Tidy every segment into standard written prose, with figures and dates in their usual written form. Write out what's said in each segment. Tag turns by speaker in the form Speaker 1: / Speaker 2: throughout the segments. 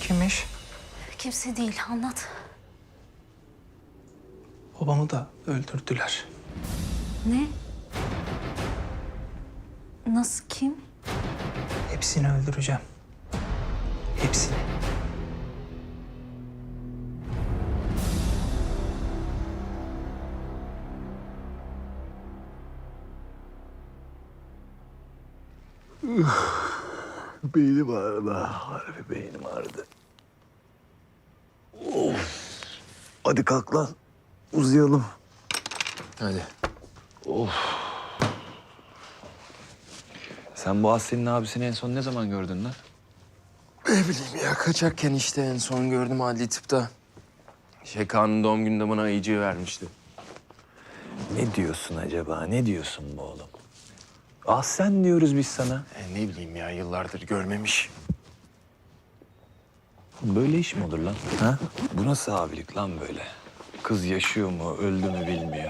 Speaker 1: Kimmiş?
Speaker 2: Kimse değil, anlat.
Speaker 1: Babamı da öldürdüler.
Speaker 2: Ne? Nasıl, kim?
Speaker 1: Hepsini öldüreceğim. Hepsini.
Speaker 3: Beynim ağrıdı. Harbi beynim ağrıdı. Of. Hadi kalk lan. Uzayalım.
Speaker 4: Hadi. Sen bu Aslı'nın abisini en son ne zaman gördün lan?
Speaker 5: Ne bileyim ya, kaçarken işte en son gördüm adli tıpta. Kaan'ın doğum gününde bana ayıcığı vermişti.
Speaker 4: Ne diyorsun acaba? Ne diyorsun bu oğlum? Ah sen diyoruz biz sana.
Speaker 5: Ne bileyim ya, yıllardır görmemiş.
Speaker 4: Böyle iş mi olur lan? Ha? Bu nasıl abilik lan böyle? Kız yaşıyor mu, öldü mü bilmiyor.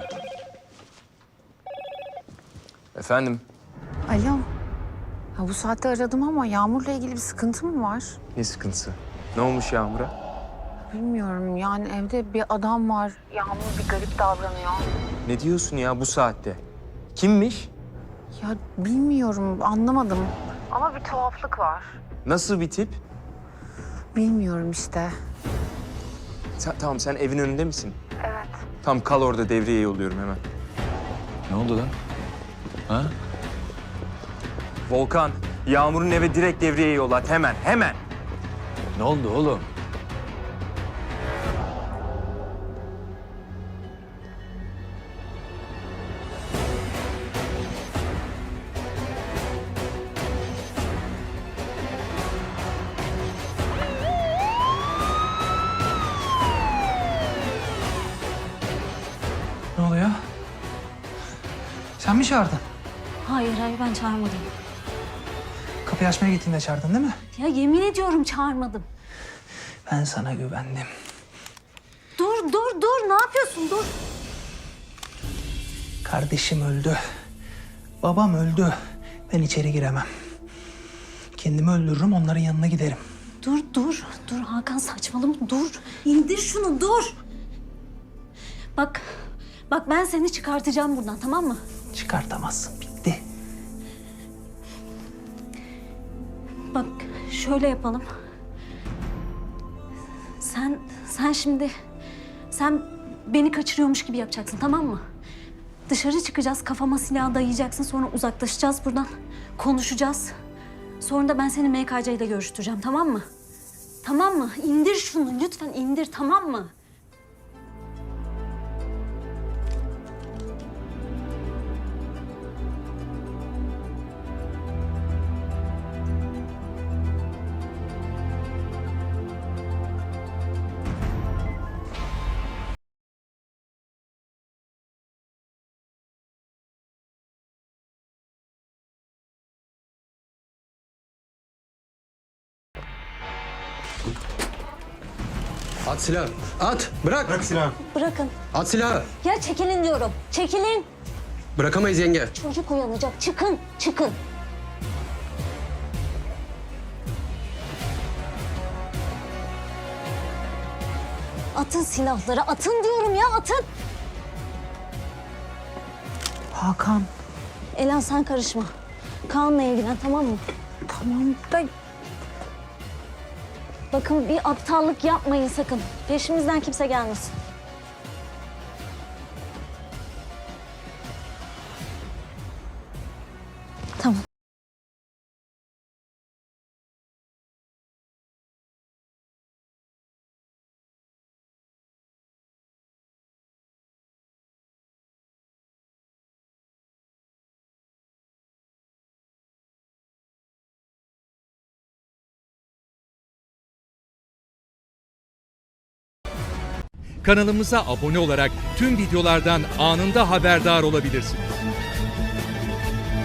Speaker 5: Efendim?
Speaker 6: Alo. Ya bu saatte aradım ama Yağmur'la ilgili bir sıkıntı mı var?
Speaker 5: Ne sıkıntısı? Ne olmuş Yağmur'a?
Speaker 6: Bilmiyorum, yani evde bir adam var. Yağmur bir garip davranıyor.
Speaker 5: Ne diyorsun ya bu saatte? Kimmiş?
Speaker 6: Ya bilmiyorum, anlamadım. Ama bir tuhaflık var.
Speaker 5: Nasıl bir tip?
Speaker 6: Bilmiyorum işte.
Speaker 5: Tamam, sen evin önünde misin?
Speaker 6: Evet.
Speaker 5: Tamam, kal orada, devreye yolluyorum hemen.
Speaker 4: Ne oldu lan? Ha?
Speaker 5: Volkan, Yağmur'un eve direkt devreye yollat, hemen, hemen.
Speaker 4: Ne oldu oğlum?
Speaker 1: Ne oluyor? Sen mi çağırdın?
Speaker 2: Hayır, ben çağırmadım.
Speaker 1: Kapıyı açmaya gittiğinde çağırdın değil mi?
Speaker 2: Ya yemin ediyorum çağırmadım.
Speaker 1: Ben sana güvendim.
Speaker 2: Dur, ne yapıyorsun? Dur.
Speaker 1: Kardeşim öldü. Babam öldü. Ben içeri giremem. Kendimi öldürürüm, onların yanına giderim.
Speaker 2: Dur Hakan, saçmalama, dur. İndir şunu, dur. Bak ben seni çıkartacağım buradan, tamam mı?
Speaker 1: Çıkartamazsın, bitti.
Speaker 2: Bak şöyle yapalım. Sen şimdi beni kaçırıyormuş gibi yapacaksın, tamam mı? Dışarı çıkacağız, kafama silah dayayacaksın, sonra uzaklaşacağız buradan. Konuşacağız. Sonra da ben seni MKC ile görüştüreceğim, tamam mı? Tamam mı? İndir şunu, lütfen indir, tamam mı?
Speaker 7: At silahı. At. Bırak. Bırak silahı.
Speaker 2: Bırakın.
Speaker 7: At silahı.
Speaker 2: Ya çekilin diyorum. Çekilin.
Speaker 7: Bırakamayız yenge.
Speaker 2: Çocuk uyanacak. Çıkın. Atın silahları. Atın diyorum ya, atın.
Speaker 6: Hakan,
Speaker 2: Elan sen karışma. Kaan'la ilgilen, tamam mı?
Speaker 6: tamam da
Speaker 2: Bakın bir aptallık yapmayın sakın. Peşimizden kimse gelmesin. Tamam.
Speaker 8: Kanalımıza abone olarak tüm videolardan anında haberdar olabilirsiniz.